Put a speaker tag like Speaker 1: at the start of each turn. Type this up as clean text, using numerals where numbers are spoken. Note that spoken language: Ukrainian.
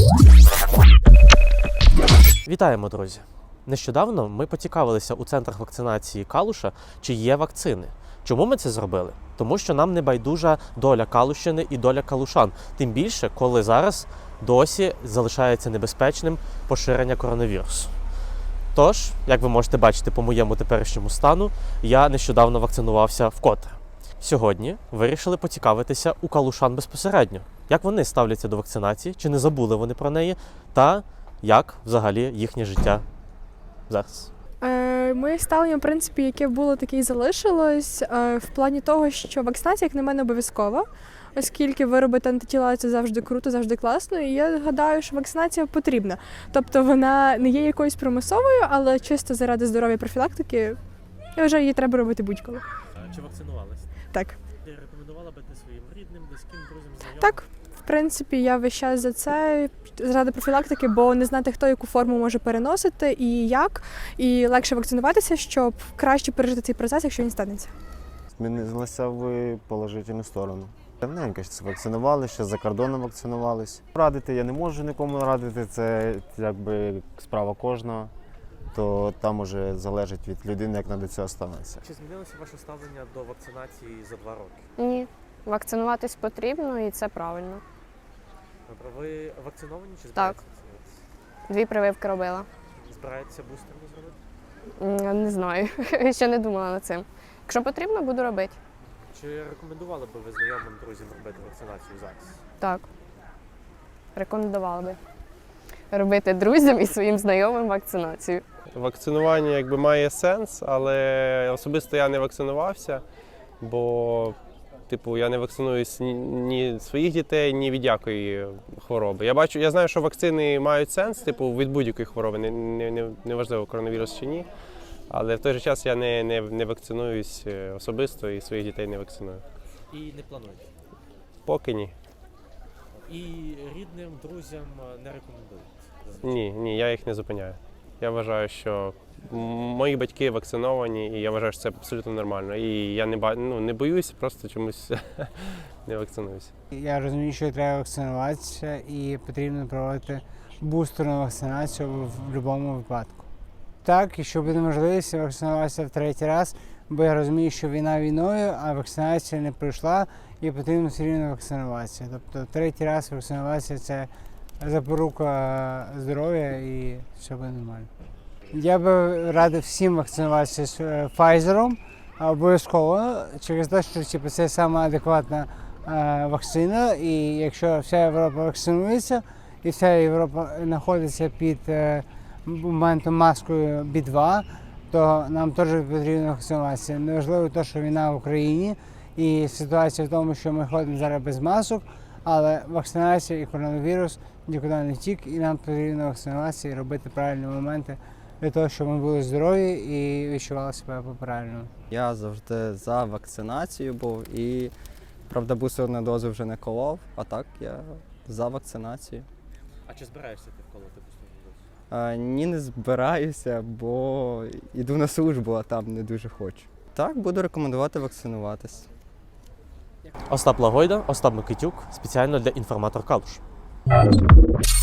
Speaker 1: Вітаємо, друзі! Нещодавно ми поцікавилися у центрах вакцинації Калуша, чи є вакцини. Чому ми це зробили? Тому що нам не байдужа доля Калущини і доля калушан. Тим більше, коли зараз досі залишається небезпечним поширення коронавірусу. Тож, як ви можете бачити по моєму теперішньому стану, я нещодавно вакцинувався вкотре. Сьогодні вирішили поцікавитися у калушан безпосередньо, як вони ставляться до вакцинації, чи не забули вони про неї, та як взагалі їхнє життя зараз.
Speaker 2: Моє ставлення, в принципі, яке було, таке і залишилось, в плані того, що вакцинація, як на мене, обов'язкова, оскільки виробити антитіла – це завжди круто, завжди класно, і я гадаю, що вакцинація потрібна. Тобто вона не є якоюсь примусовою, але чисто заради здоров'я профілактики, я вважаю, її треба робити будь-коли.
Speaker 1: Чи вакцинувалися?
Speaker 2: Так.
Speaker 1: Ти рекомендувала бити своїм рідним, близьким, друзям, знайомим?
Speaker 2: Так. В принципі, я весь час за це, заради профілактики, бо не знати, хто яку форму може переносити і як, і легше вакцинуватися, щоб краще пережити цей процес, якщо він станеться.
Speaker 3: Змінилося в положительну сторону. Давненько вакцинувалися, ще за кордоном вакцинувалися. Радити я не можу нікому радити, це якби справа кожного, то там уже залежить від людини, як до цього ставитися.
Speaker 1: Чи змінилося ваше ставлення до вакцинації за 2 роки?
Speaker 4: Ні, вакцинуватись потрібно і це правильно.
Speaker 1: Добре, ви вакциновані чи
Speaker 4: Так.
Speaker 1: збираєтеся вакцинуватися?
Speaker 4: 2 прививки робила.
Speaker 1: Збираєтеся бустерну зробити?
Speaker 4: Не знаю, ще не думала над цим. Якщо потрібно, буду робити.
Speaker 1: Чи рекомендували б ви знайомим друзям робити вакцинацію зараз?
Speaker 4: Так. Рекомендувала би робити друзям і своїм знайомим вакцинацію.
Speaker 5: Вакцинування якби має сенс, але особисто я не вакцинувався, бо я не вакцинуюсь ні своїх дітей, ні від якої хвороби. Я знаю, що вакцини мають сенс, від будь-якої хвороби, неважливо, коронавірус чи ні. Але в той же час я не вакцинуюсь особисто і своїх дітей не вакциную.
Speaker 1: І не плануєте?
Speaker 5: Поки ні.
Speaker 1: І рідним, друзям не рекомендуєте?
Speaker 5: Ні, я їх не зупиняю. Я вважаю, що мої батьки вакциновані, і я вважаю, що це абсолютно нормально. І я не боюсь, просто чомусь не вакцинуюся.
Speaker 6: Я розумію, що треба вакцинуватися і потрібно проводити бустерну вакцинацію в будь-якому випадку. Так, якщо буде можливість вакцинуватися в 3-й раз, бо я розумію, що війна війною, а вакцинація не пройшла і потрібно все рівно вакцинуватися. Тобто 3-й раз вакцинуватися – це запорука здоров'я і все буде нормально. Я би радив всім вакцинуватися з Pfizer, обов'язково, через те, що це саме адекватна вакцина, і якщо вся Європа вакцинується, і вся Європа знаходиться під моментом маскою B2, то нам теж потрібно вакцинуватися. Неважливо те, що війна в Україні, і ситуація в тому, що ми ходимо зараз без масок, але вакцинація і коронавірус нікуди не втік, і нам потрібно вакцинуватися і робити правильні моменти для того, щоб ми були здорові і відчували себе по-правильному.
Speaker 7: Я завжди за вакцинацію був і, правда, бустерну дозу вже не колов, а так я за вакцинацію.
Speaker 1: А чи збираєшся ти вколоти бустерну дозу?
Speaker 7: Ні, не збираюся, бо йду на службу, а там не дуже хочу. Так, буду рекомендувати вакцинуватись.
Speaker 1: Остап Лагойда, Остап Микитюк, спеціально для «Інформатор Калуш».